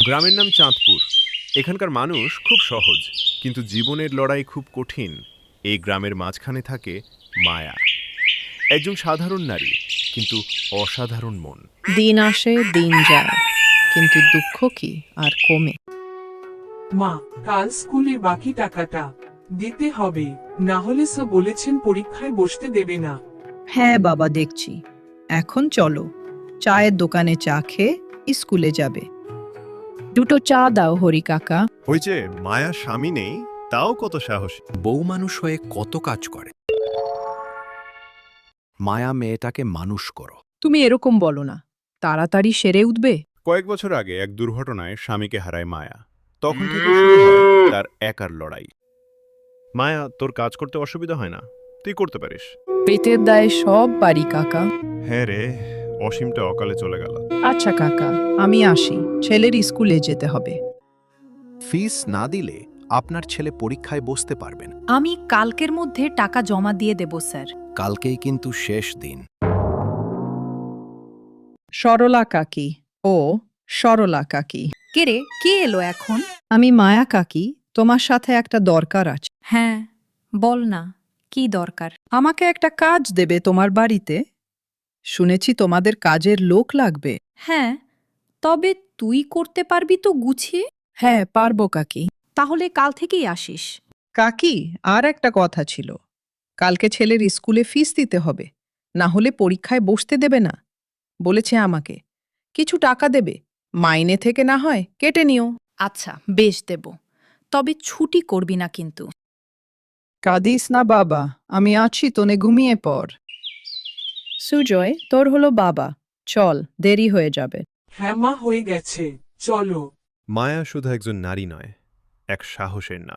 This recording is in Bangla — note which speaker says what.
Speaker 1: গ্রামের নাম চাঁদপুর। এখানকার মানুষ খুব সহজ, কিন্তু জীবনের লড়াই খুব কঠিন। এই গ্রামের মাঝখানে থাকে মায়া, একজন সাধারণ নারী, কিন্তু অসাধারণ মন।
Speaker 2: দিন আসে দিন যায়, কিন্তু দুঃখ কি আর কমে?
Speaker 3: মা, কাল স্কুলে বাকি টাকাটা দিতে হবে, না হলে স্যার বলেছেন পরীক্ষায় বসতে দেবে না।
Speaker 2: হ্যাঁ বাবা, দেখছি। এখন চলো, চায়ের দোকানে চা খেয়ে স্কুলে যাবে। দুটো চা দাও হরি কাকা।
Speaker 1: ওই যে মায়া স্বামী নেই, তাও কত সাহসী।
Speaker 4: বউ মানুষ হয়ে কত কাজ করে। মায়া মেয়েটাকে মানুষ করো।
Speaker 2: তুমি এরকম বলো না, তাড়াতাড়ি সেরে উঠবে।
Speaker 1: কয়েক বছর আগে এক দুর্ঘটনায় স্বামীকে হারায় মায়া। তখন থেকে শুরু হয় তার একার লড়াই। মায়া, তোর কাজ করতে অসুবিধা হয় না? তুই করতে পারিস।
Speaker 2: পেটের দায়ে সব পারি কাকা।
Speaker 1: হ্যাঁ রে, অসীমটা অকালে চলে গেল।
Speaker 2: আচ্ছা কাকা, আমি আসি, ছেলের স্কুলে যেতে হবে।
Speaker 4: ফিস না দিলে আপনার ছেলে পরীক্ষায় বসতে পারবেন।
Speaker 5: আমি কালকের মধ্যে টাকা জমা দিয়ে দেব স্যার।
Speaker 4: কালকেই কিন্তু শেষ দিন।
Speaker 2: সরলা কাকি ও সরলা কাকি।
Speaker 5: কে রে, কে এলো এখন?
Speaker 2: আমি মায়া কাকি, তোমার সাথে একটা দরকার আছে।
Speaker 5: হ্যাঁ, বল না, কি দরকার?
Speaker 2: আমাকে একটা কাজ দেবে তোমার বাড়িতে? শুনেছি তোমাদের কাজের লোক লাগবে।
Speaker 5: হ্যাঁ, তবে তুই করতে পারবি তো গুছিয়ে?
Speaker 2: হ্যাঁ পারবো কাকি।
Speaker 5: তাহলে কাল থেকেই আসিস।
Speaker 2: কাকি, আর একটা কথা ছিল। কালকে ছেলের স্কুলে ফিস দিতে হবে, না হলে পরীক্ষায় বসতে দেবে না। বলেছে আমাকে কিছু টাকা দেবে, মাইনে থেকে না হয় কেটে নিও।
Speaker 5: আচ্ছা, বেশ দেব, তবে ছুটি করবি না কিন্তু।
Speaker 2: কাঁদিস না বাবা, আমি আছি, তোনে ঘুমিয়ে পড়। সুজয়, তোর হলো বাবা, চল, দেরি হয়ে যাবে।
Speaker 3: হ্যাঁ মা, হয়ে গেছে, চলো।
Speaker 1: মায়া শুধু একজন নারী নয়, এক সাহসের নাম।